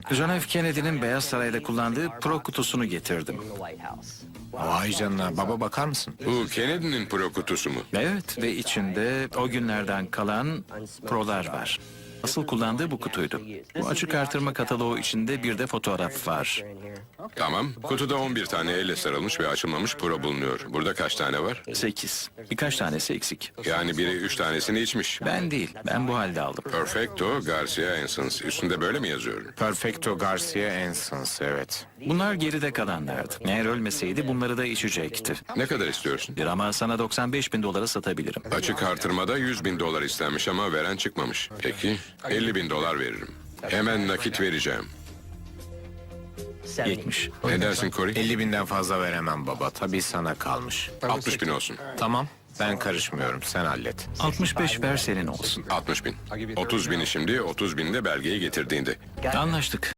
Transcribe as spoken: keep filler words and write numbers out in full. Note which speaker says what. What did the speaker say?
Speaker 1: John F. Kennedy'nin Beyaz Saray'da kullandığı pro kutusunu getirdim.
Speaker 2: Vay canına, baba bakar mısın?
Speaker 3: Bu Kennedy'nin pro kutusu mu?
Speaker 1: Evet ve içinde o günlerden kalan prolar var. Asıl kullandığı bu kutuydu. Bu açık artırma kataloğu içinde bir de fotoğraf var.
Speaker 3: Tamam. Kutuda on bir tane elle sarılmış ve açılmamış pro bulunuyor. Burada kaç tane var?
Speaker 1: Sekiz. Birkaç tanesi eksik.
Speaker 3: Yani biri üç tanesini içmiş.
Speaker 1: Ben değil, ben bu halde aldım.
Speaker 3: Perfecto Garcia Ensons. Üstünde böyle mi yazıyor?
Speaker 2: Perfecto Garcia Ensons, evet.
Speaker 1: Bunlar geride kalanlardı. Eğer ölmeseydi bunları da içecekti.
Speaker 3: Ne kadar istiyorsun?
Speaker 1: Bir ama sana doksan beş bin dolara satabilirim.
Speaker 3: Açık artırmada yüz bin dolar istenmiş ama veren çıkmamış. Peki, elli bin dolar veririm. Hemen nakit vereceğim.
Speaker 1: Yetmiş.
Speaker 3: Ne dersin Corey?
Speaker 2: elli binden fazla veremem baba, tabii sana kalmış.
Speaker 3: altmış bin olsun.
Speaker 2: Tamam, ben karışmıyorum, sen hallet.
Speaker 1: altmış beş ver senin olsun.
Speaker 3: altmış bin. otuz bini şimdi, otuz bin de belgeyi getirdiğinde.
Speaker 1: Anlaştık.